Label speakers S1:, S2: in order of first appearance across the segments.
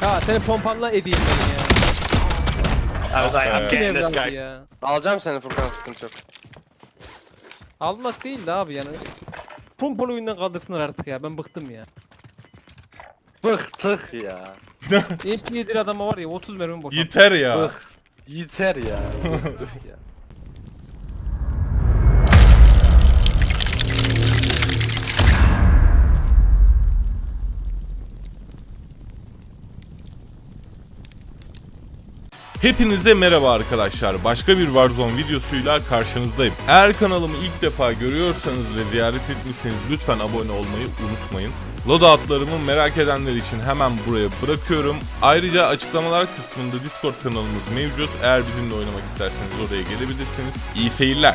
S1: Ha seni pompanla edeyim ben ya.
S2: I was like, I'm
S1: Kim
S2: getting this
S1: evladı
S2: guy.
S1: ya.
S3: Alacağım seni Furkan, sıkıntı yok.
S1: Almak değil de abi yani. Pompalı oyundan kaldırsınlar artık ya. Ben bıktım ya.
S3: Bıktık ya.
S1: MP7 adama var ya 30 mermi boşalt.
S4: Yeter ya.
S3: Bık. Yeter ya. Bıktık ya.
S4: Hepinize merhaba arkadaşlar. Başka bir Warzone videosuyla karşınızdayım. Eğer kanalımı ilk defa görüyorsanız ve ziyaret etmişseniz lütfen abone olmayı unutmayın. Loadout'larımı merak edenler için hemen buraya bırakıyorum. Ayrıca açıklamalar kısmında Discord kanalımız mevcut. Eğer bizimle oynamak isterseniz oraya gelebilirsiniz. İyi seyirler.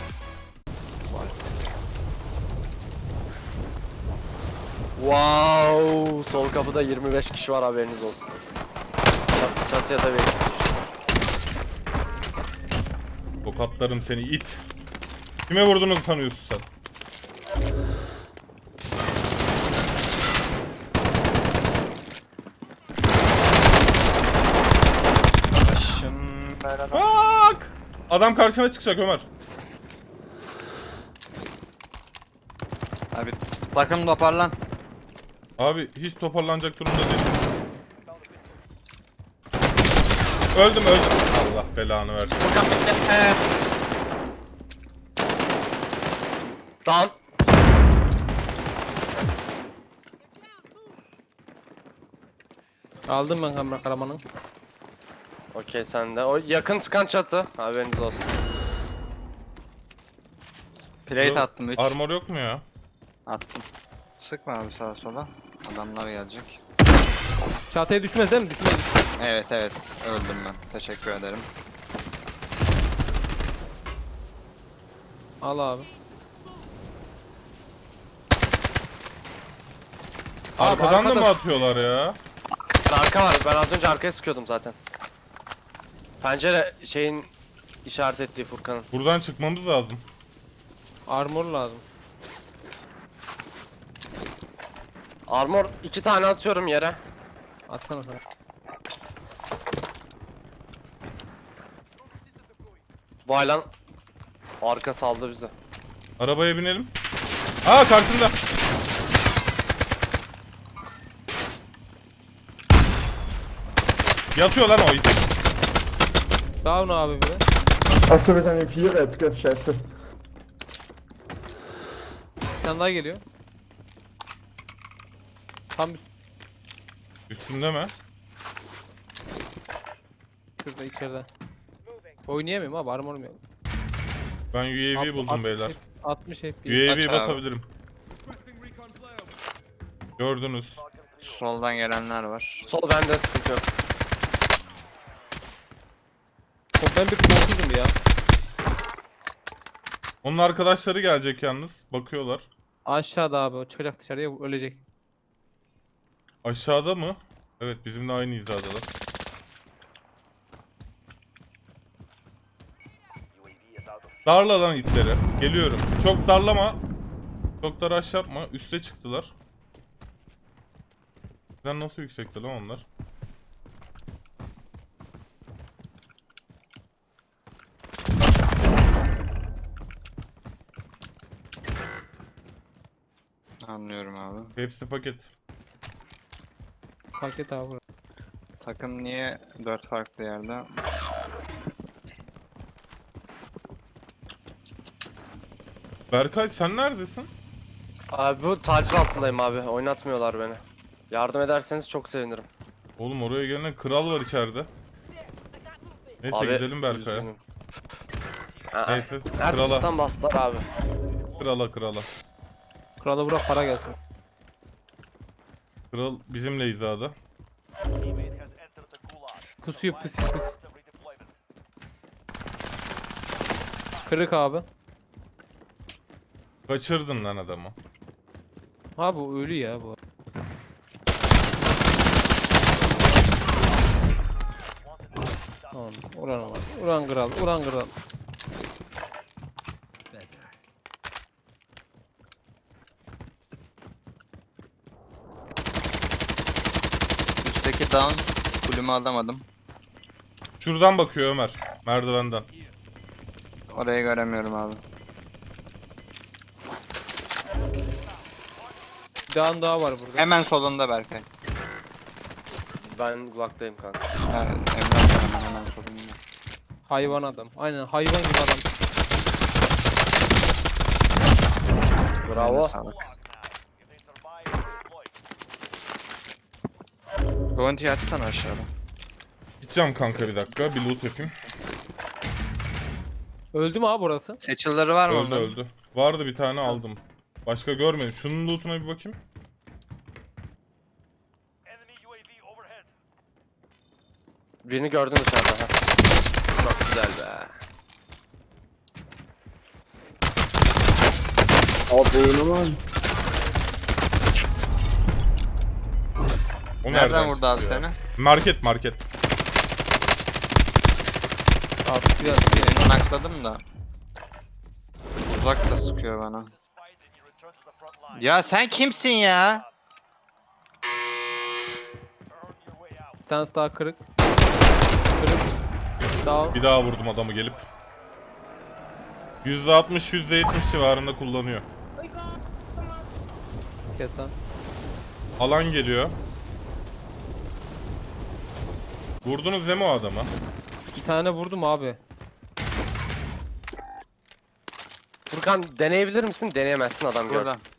S3: Wow, sol kapıda 25 kişi var, haberiniz olsun. Çatıya da bekliyoruz.
S4: Tokatlarım seni it. Kime vurduğunu sanıyorsun sen? Bak! Adam karşına çıkacak Ömer.
S5: Abi takım toparlan.
S4: Abi hiç toparlanacak durumda değilim. Öldüm. Allah belanı versin.
S3: Down.
S1: Aldım ben kamera karamanı.
S3: Okey, sende. O yakın çıkan çatı, haberiniz olsun.
S5: Plate attım 3.
S4: Armor yok mu ya?
S5: Attım. Sıkma abi sağa sola. Adamlar gelecek.
S1: Çatıya düşmez değil mi? Düşmez.
S5: Evet öldüm ben. Teşekkür ederim.
S1: Al abi.
S4: Arkadan da
S3: arkada-
S4: mı atıyorlar ya?
S3: Arka var, ben az önce arkaya sıkıyordum zaten. Pencere şeyin işaret ettiği Furkan'ın.
S4: Buradan çıkmamız lazım.
S1: Armor lazım.
S3: Armor 2 tane atıyorum yere.
S1: Atsana sana.
S3: Vay lan. Arka saldı bizi.
S4: Arabaya binelim. Aa karşında. Yatıyor lan o it.
S1: Down abi bir.
S6: Achso, wir sind im Vierer, scheiße.
S1: Bir tane daha geliyor. Tam
S4: Üstünde mi?
S1: şurada içeride. Oynayamıyorum abi, armorum yok.
S4: Ben UAV buldum beyler.
S1: 60 FPS.
S4: UAV
S5: Aç abi.
S4: basabilirim. Gördünüz.
S5: Soldan gelenler var.
S3: Sol bende, sıkıntı yok.
S1: Ben bir korkuzum ya.
S4: Onun arkadaşları gelecek yalnız. Bakıyorlar.
S1: Aşağıda abi, o çıkacak dışarıya, ölecek.
S4: Aşağıda mı? Evet, bizimle aynı hizadalar. Darla lan itleri. Geliyorum. Çok darlama. Çok da rush yapma. Üste çıktılar. Sen nasıl yüksekti lan onlar?
S5: Anlıyorum abi.
S4: Hepsi paket.
S1: Paket abi burası.
S5: Takım niye 4 farklı yerde?
S4: Berkay sen neredesin?
S3: Abi bu taciz altındayım abi. Oynatmıyorlar beni. Yardım ederseniz çok sevinirim.
S4: Oğlum oraya gelen kral var içeride. Neyse
S3: Abi,
S4: gidelim Berkay'a.
S3: üzgünüm. Aa,
S4: Neyse
S3: her
S4: krala.
S3: taraftan bastılar abi.
S4: Krala.
S1: Krala bırak, para gelsin.
S4: Kral bizimle hizada.
S1: Pusuyor pis. Kırık abi.
S4: Kaçırdın lan adamı.
S1: Abi o ölü ya bu. Tamam, ulan var. Ulan kral.
S5: İki down. Kulümü alamadım.
S4: Şuradan bakıyor Ömer. Merdivenden.
S5: Orayı göremiyorum abi.
S1: Bir dağın daha var burada.
S5: Hemen solunda Berkay.
S3: Ben Glock'tayım kanka.
S5: Evet, Emrah hemen solunda.
S1: Hayvan adam. Aynen hayvan gibi adam.
S3: Bravo.
S5: Eline sağlık. Bounty açsana aşağıda.
S4: Gideceğim kanka bir dakika. Bir loot yapayım.
S1: Öldü mü abi burası?
S5: Seçilleri var mı
S4: Öldü
S5: onların?
S4: öldü. Vardı bir tane aldım. Başka görmedim. Şunun lootuna bir bakayım.
S3: Birini gördün dışarıda. Ha. Çok güzel be.
S4: O
S5: Nereden vurdu
S4: çıktı
S5: abi
S4: ya?
S5: seni?
S4: Market market.
S1: Abi biraz
S5: Birini nakladım da. Uzak da sıkıyor bana. Ya sen kimsin ya?
S1: bir tanesi daha kırık. Kırık. Down.
S4: Bir daha vurdum adamı gelip. %60 %70 civarında kullanıyor.
S1: Kes lan.
S4: Alan geliyor. Vurdunuz değil mi o adama?
S1: Bir tane vurdum abi.
S3: Furkan deneyebilir misin? Deneyemezsin adam gördü.
S5: Burada.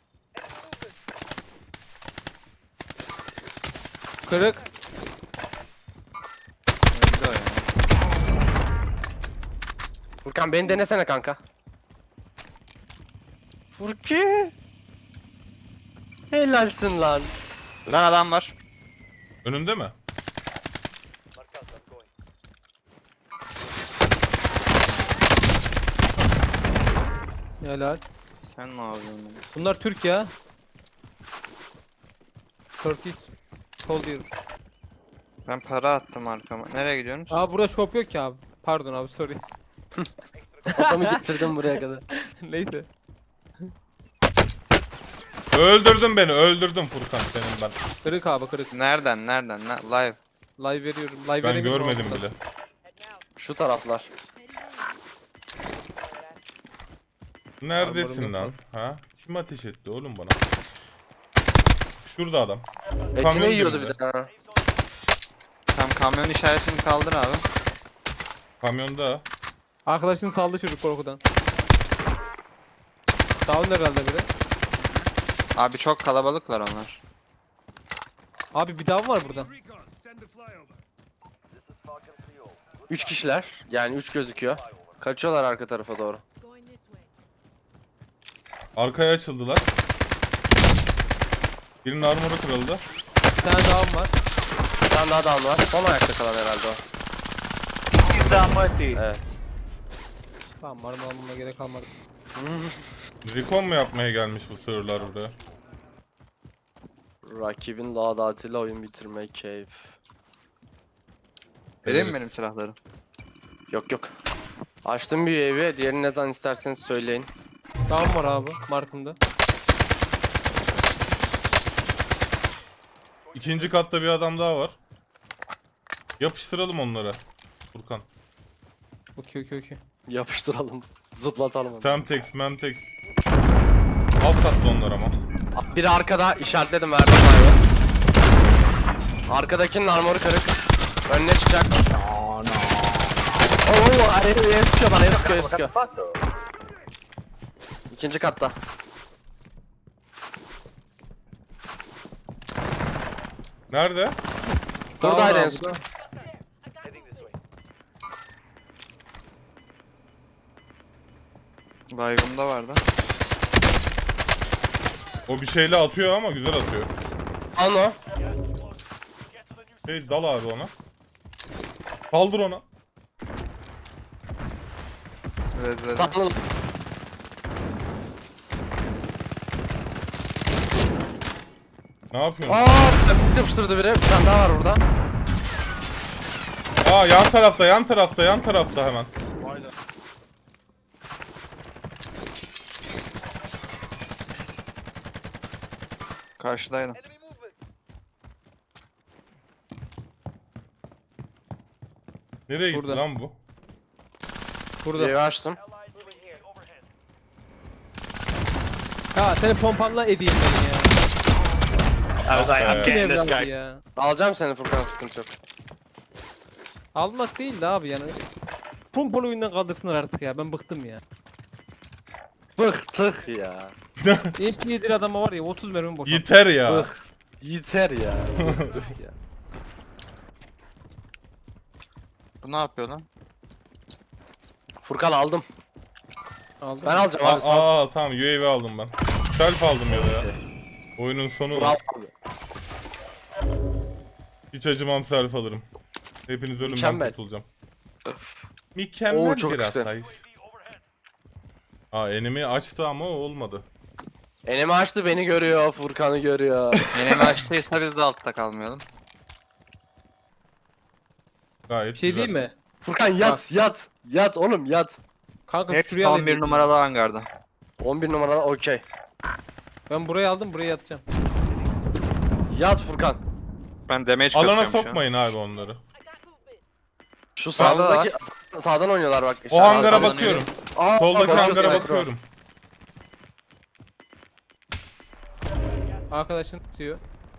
S1: Kırık.
S5: Öldü o ya.
S3: Furkan beni denesene kanka. Furki. Helalsin lan.
S5: Lan adam var.
S4: Önünde mi?
S1: Helal.
S5: Sen ne yapıyorsun?
S1: Bunlar Türk ya. Turkish Soldier.
S5: Ben para attım arkama. Nereye gidiyorsunuz?
S1: Abi burada shop yok ki abi. Pardon abi sorry.
S3: Adamı getirdim buraya kadar.
S1: Neyse.
S4: Öldürdün beni öldürdün Furkan senin ben.
S1: Kırık abi kırık.
S5: Nereden? Live.
S1: Live veriyorum. Live
S4: Ben
S1: veremiyorum
S4: görmedim
S1: abi.
S4: bile.
S3: Şu taraflar.
S4: Neredesin
S1: Armorum
S4: lan?
S1: yok
S4: Ha? Kim ateş etti oğlum bana? Şurada adam.
S3: Etini
S4: Kamyon
S3: yiyordu
S4: dibinde.
S3: bir de ha.
S5: Tam kamyon işaretini kaldır abi.
S4: Kamyonda.
S1: Arkadaşın saldı çocuk korkudan. Down herhalde biri.
S5: Abi çok kalabalıklar onlar.
S1: Abi bir daha var burada.
S3: 3 kişiler. Yani 3 gözüküyor. Kaçıyorlar arka tarafa doğru.
S7: Going this way.
S4: Arkaya açıldılar. Birinin armoru kırıldı.
S1: Bir tane down var.
S3: Bir tane daha down var. Son ayakta kalan herhalde o. Evet.
S1: Tamam var mı almama gerek kalmadı.
S4: Recon mu yapmaya gelmiş bu sığırlar buraya?
S3: Rakibin ladatıyla oyun bitirmek keyif.
S5: Vereyim mi
S4: Evet.
S5: benim silahları?
S3: Yok yok. Açtım bir evi. Diğerini ne zaman isterseniz söyleyin.
S1: Down var abi markımda.
S4: İkinci katta bir adam daha var. Yapıştıralım onlara. Furkan.
S1: Okey.
S3: Yapıştıralım. Zıplatalım onu.
S4: Semtex, Memtex. Alt katta onlar ama.
S3: Biri arkada işaretledim verdim abi. Arkadakinin armoru kırık. Önüne çıkacak. Oo, araya sıkıyor bana, herif sıkıyor. İkinci katta.
S4: Nerede?
S3: Burada
S1: Down
S3: araya
S1: abi,
S3: sıkıyor.
S5: Live'ımda vardı.
S4: O bir şeyle atıyor ama güzel atıyor.
S3: Al o.
S4: Dal abi ona. Kaldır ona.
S5: Rezledi.
S3: Sapladım.
S4: Ne yapıyorsun?
S3: Aaa yapıştırdı biri. Bir tane daha var burada.
S4: Aa yan tarafta hemen.
S5: Karşıdaydım.
S4: Nereye gitti
S1: Burada.
S4: lan bu?
S1: Burada.
S3: Bir açtım.
S1: Ha seni pompanla edeyim ben ya.
S2: I was like, I'm
S4: Okay.
S2: getting this
S1: Evladı
S2: guy.
S1: ya.
S3: Alacağım seni Furkan, sıkıntı yok.
S1: Almak değil de abi yani. Pompalı oyundan kaldırsınlar artık ya. Ben bıktım ya.
S3: Bıktık ya.
S1: MP7 adama var ya 30 mermi boşalt.
S4: Yeter ya.
S3: Bık. Yeter ya. Bıktık ya.
S5: Bu ne yapıyor lan?
S3: Furkan aldım.
S1: Aldım.
S3: Ben alacağım abi, sağ ol.
S4: Tamam UAV aldım ben. Self aldım ya da ya. Oyunun sonu.
S3: Bravo abi.
S4: Hiç acımam, self alırım. Hepiniz ölümden
S3: Mükemmel.
S4: kurtulacağım. Mükemmel
S3: Oo, çok
S4: bir
S3: işte.
S4: atlayış. Enemy açtı ama olmadı.
S3: Enemi açtı, beni görüyor, Furkan'ı görüyor.
S5: Enemi açtıysa biz de altta kalmayalım.
S4: Gayet
S1: Bir şey
S4: güzel.
S1: diyeyim mi?
S3: Furkan yat, yat. Yat oğlum, yat.
S1: Kanka
S5: Hepsi
S1: şuraya alayım.
S5: 11 numaralı hangarda.
S3: 11 numaralı okey.
S1: Ben burayı aldım, buraya yatacağım.
S3: Yat Furkan.
S5: Ben damage
S4: Alana
S5: kasıyorum şu an.
S4: sokmayın abi onları.
S3: Şu
S5: Sağda
S3: sağdaki sağdan oynuyorlar bak.
S4: O hangara
S5: Sağdan
S4: bakıyorum.
S3: Aa,
S4: Soldaki
S3: bakıyorsun,
S4: hangara
S3: Ekro.
S4: bakıyorum.
S1: Arkadaşın tutuyor.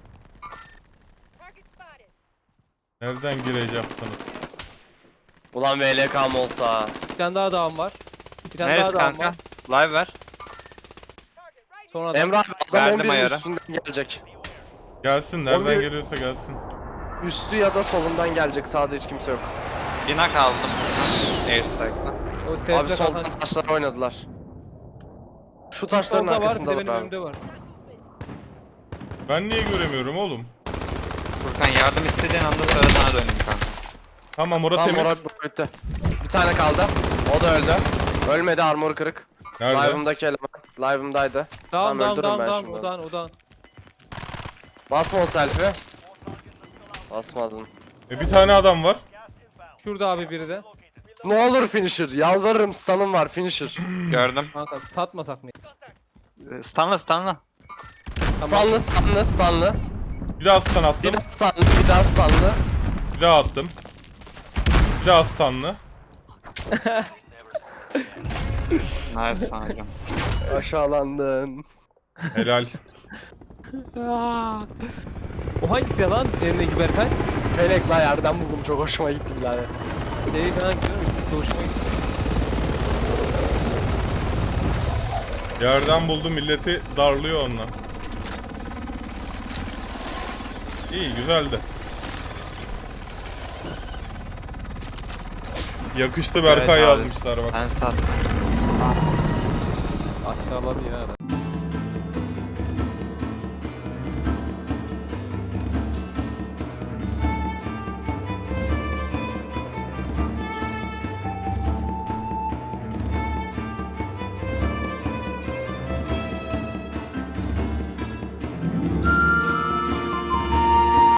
S4: Nereden gireceksiniz?
S3: Ulan VLK'm olsa.
S1: Bir tane daha dağım var. Bir tane
S5: Neresi
S1: daha dağım
S5: kanka?
S1: var.
S5: Live ver.
S1: Sonra da
S3: Emrah adam
S5: Verdim
S3: 11'in
S5: ayarı.
S3: üstünden gelecek.
S4: Gelsin, nereden
S3: 11
S4: geliyorsa gelsin.
S3: Üstü ya da solundan gelecek. Sağda hiç kimse yok.
S5: Binak aldım. Airstrike'la.
S1: o
S3: Abi
S1: sevde
S3: soldan
S1: katan.
S3: taşlara oynadılar. Şu taşların
S1: Solda var, bir de
S3: arkasında
S1: benim
S3: var abi.
S1: önümde var.
S4: Ben niye göremiyorum oğlum?
S5: Furkan yardım istediğin anda söyle, sana döneyim kanka.
S4: Tamam orası
S3: Tam
S4: temiz.
S3: moral bitti. Bir tane kaldı. O da öldü. Ölmedi, armor kırık.
S4: Nerede?
S3: Live'ımdaki eleman. Live'ımdaydı.
S1: Dağım dağım
S3: öldürürüm
S1: dağım
S3: ben
S1: dağım
S3: şimdi.
S1: o dağın o dağın.
S3: Basma o selfie. Basmadın.
S4: Bir tane adam var.
S1: Şurada abi biri de.
S3: Ne olur finisher. Yalvarırım, stun'ım var finisher.
S5: Gördüm.
S1: Kanka satmasak mı?
S5: Stunla stunla.
S3: Sanlı sanlı sanlı.
S4: Bir daha stun attım.
S3: Bir daha sanlı, bir daha sanlı.
S4: Bir daha attım. Bir daha stunlı.
S5: Nice sanacağım.
S3: Aşağılandın.
S4: Helal.
S1: O hangisi ya lan? Elindeki Berkay?
S3: Felek la, yerden buldum, çok hoşuma gitti birader.
S1: Şey falan gidiyorum. Hoşuma gitti.
S4: Yerden buldu, milleti darlıyor onunla. İyi, güzeldi. Yakıştı, Berkay
S5: Evet abi.
S4: yazmışlar bak.
S5: Ben sattım.
S1: Aşağıladı ya.